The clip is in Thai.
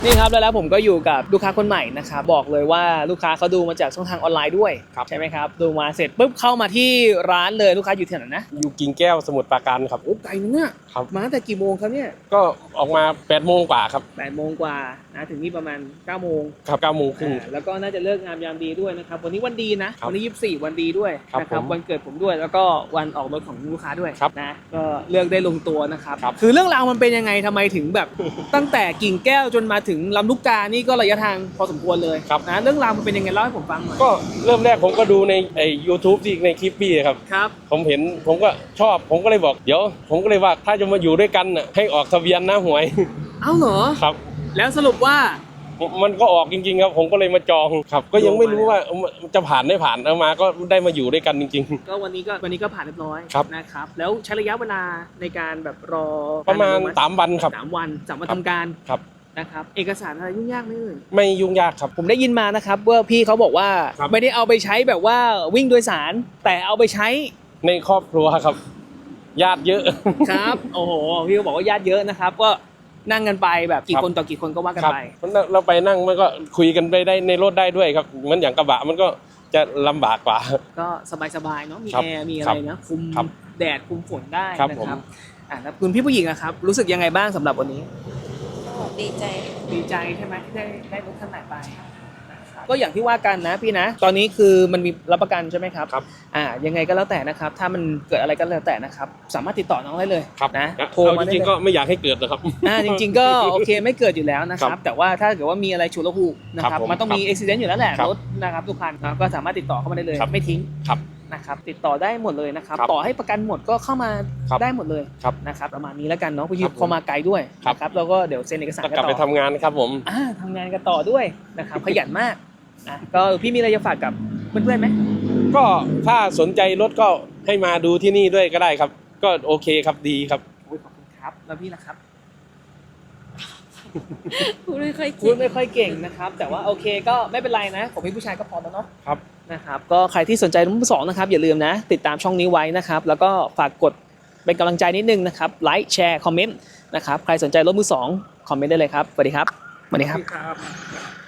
นี่ครับแล้วผมก็อยู่กับลูกค้าคนใหม่นะครับบอกเลยว่าลูกค้าเขาดูมาจากช่องทางออนไลน์ด้วยใช่ไหมครับดูมาเสร็จปุ๊บเข้ามาที่ร้านเลยลูกค้าอยู่ที่ไหนนะอยู่กิ่งแก้วสมุทรปราการครับโอ้ไกลนึงอ่ะมาตั้งแต่กี่โมงครับเนี่ยก็ออกมา8 โมงกว่าครับ 8 โมงกว่านะถึงนี่ประมาณ9 โมงครับ9 โมงครึ่งแล้วก็น่าจะเลิกงามยามดีด้วยนะครับวันนี้วันดีนะวันนี้24วันดีด้วยนะครับวันเกิดผมด้วยแล้วก็วันออกรถของลูกค้าด้วยนะก็เลือกได้ลงตัวนะครับคือเรื่องราวมันเป็นยังไงทำไมถึงแบบตั้งแต่กิ่งแก้วจนมาถึงลำลูกกานี่ก็ระยะทางพอสมควรเลยนะเรื่องราวมันเป็นยังไงเล่าให้ผมฟังหน่อยก็เริ่มแรกผมก็ดูในYouTube ที่ในคลิปพี่ครับผมเห็นผมก็ชอบผมก็เลยบอกเดี๋ยวผมก็เลยว่าถ้าจะมาอยู่ด้วยกันน่ะให้ออกทะเบียนนะหวยเอ้าเหรอครับแล้วสรุปว่ามันก็ออกจริงๆครับผมก็เลยมาจองครับก็ยังไม่รู้ว่าจะผ่านไม่ผ่านเอามาก็ได้มาอยู่ด้วยกันจริงๆก็วันนี้ก็ผ่านเรียบร้อยนะครับแล้วใช้ระยะเวลาในการแบบรอประมาณ3 วันครับ 3 วัน3 วันทำการครับนะครับเอกสารอะไรยุ่งยากไหมไม่ยุ่งยากครับผมได้ยินมานะครับว่าพี่เขาบอกว่าไม่ได้เอาไปใช้แบบว่าวิ่งโดยสารแต่เอาไปใช้ในครอบครัวครับญาติเยอะครับโอ้โหพี่เขาบอกว่าญาติเยอะนะครับก็นั่งกันไปแบบกี่คนต่อกี่คนก็ว่ากันไปเราไปนั่งมันก็คุยกันไปได้ในรถได้ด้วยครับเหมือนอย่างกระบะมันก็จะลำบากกว่าก็สบายๆเนาะมีแอร์มีอะไรนะคุมแดดคุมฝนได้นะครับแล้วคุณพี่ผู้หญิงอะครับรู้สึกยังไงบ้างสำหรับวันนี้ดีใจใช่ไหมที่ได้รถคันใหม่ไปก็อย่างที่ว่ากันนะพี่นะตอนนี้คือมันมีรับประกันใช่ไหมครับยังไงก็แล้วแต่นะครับถ้ามันเกิดอะไรก็แล้วแต่นะครับสามารถติดต่อน้องได้เลยนะโทรมาจริงๆก็ไม่อยากให้เกิดนะครับจริงๆก็โอเคไม่เกิดอยู่แล้วนะครับแต่ว่าถ้าเกิดว่ามีอะไรฉุกละหุกนะครับมันต้องมีอุบิเหตุอยู่แล้วแหละรถนะครับทุกคันก็สามารถติดต่อเข้ามาได้เลยไม่ทิ้งนะครับติดต่อได้หมดเลยนะครับต่อให้ประกันหมดก็เข้ามาได้หมดเลยนะครับประมาณนี้แล้วกันเนาะพี่พอมาไกลด้วยนะครับแล้วก็เดี๋ยวเซ็นเอกสารกันต่อกลับไปทำงานครับผมทำงานกันต่อด้วยนะครับขยันมากก็พี่มีอะไรจะฝากกับเพื่อนๆไหมก็ถ้าสนใจรถก็ให้มาดูที่นี่ด้วยก็ได้ครับก็โอเคครับดีครับขอบคุณครับแล้วพี่นะครับพูดไม่ค่อยเก่งนะครับแต่ว่าโอเคก็ไม่เป็นไรนะผมเป็นผู้ชายก็พอแล้วเนาะครับนะครับก็ใครที่สนใจรุ่นที่2นะครับอย่าลืมนะติดตามช่องนี้ไว้นะครับแล้วก็ฝากกดเป็นกำลังใจนิดนึงนะครับไลค์แชร์คอมเมนต์นะครับใครสนใจรถมือ2คอมเมนต์ได้เลยครับสวัสดีครับ